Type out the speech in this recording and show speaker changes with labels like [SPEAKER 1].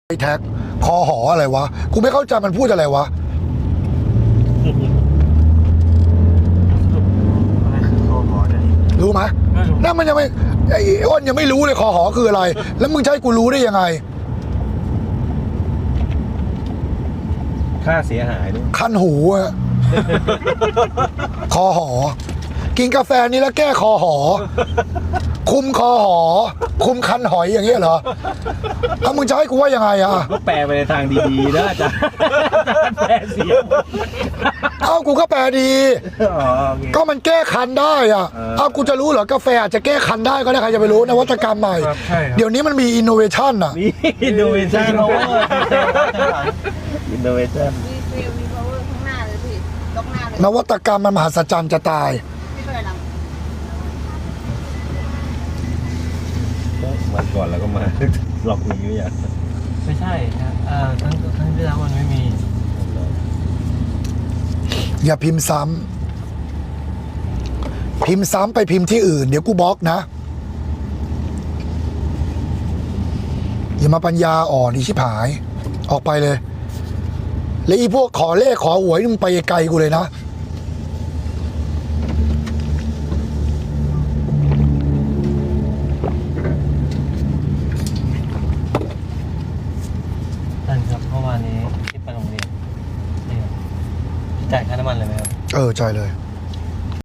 [SPEAKER 1] ไอ้แท็กคอหออะไรวะกูไม่เข้าใจมันพูดอะไรวะรู้ไหมนั่นมันยังไม่ไอ้อ้นยังไม่รู้เลยคอหอคืออะไรแล้วมึงจะให้กูรู้ได้ยังไง
[SPEAKER 2] ค่าเสียหายด้วย
[SPEAKER 1] คันหูอะคอหอกินกาแฟนี้แล้วแก้คอหอคุมคอหอคุมคันหอยอย่างเงี้ยเหรอถ้ามึงจะให้กูว่ายังไงอะ
[SPEAKER 2] ก็แปลไปในทางดีๆนะอาจารย์แปลเสีย
[SPEAKER 1] เอ้ากูก็แปลดีก็มันแก้คันได้อะเอ้ากูจะรู้เหรอกาแฟอาจจะแก้คันได้ก็ได้ใครจะไปรู้นวัตกรรมใหม่เดี๋ยวนี้มันมีอินโนเวชันอะ
[SPEAKER 2] มีอินโนเวชันอินโนเวชัน
[SPEAKER 3] มี power ข้างหน้าเลยพี่ล็อกหน้าเลย
[SPEAKER 1] นวัตกรรมมันมหัศจรรย์จะตาย
[SPEAKER 3] ไม่เป็นไรหรอก
[SPEAKER 2] วันก่อนแล้วก็มาหลอกหนีไม่ใช่
[SPEAKER 4] ไม่ใช่ครับทั้งที่แล้วมันไม่มี
[SPEAKER 1] อย่าพิมพ์ซ้ำพิมพ์ซ้ำไปพิมพ์ที่อื่นเดี๋ยวกูบล็อกนะอย่ามาปัญญาอ่อนอีชิบหายออกไปเลยแล้วอีพวกขอเลขขอหวยมึงไปไกลกูเลยนะ
[SPEAKER 4] ท่านครับเมื่อวานนี้ที่ไปโรงเรียนนี่ครับจ่ายค่าน้ำมันเลยไหมครับ
[SPEAKER 1] ใช่เลย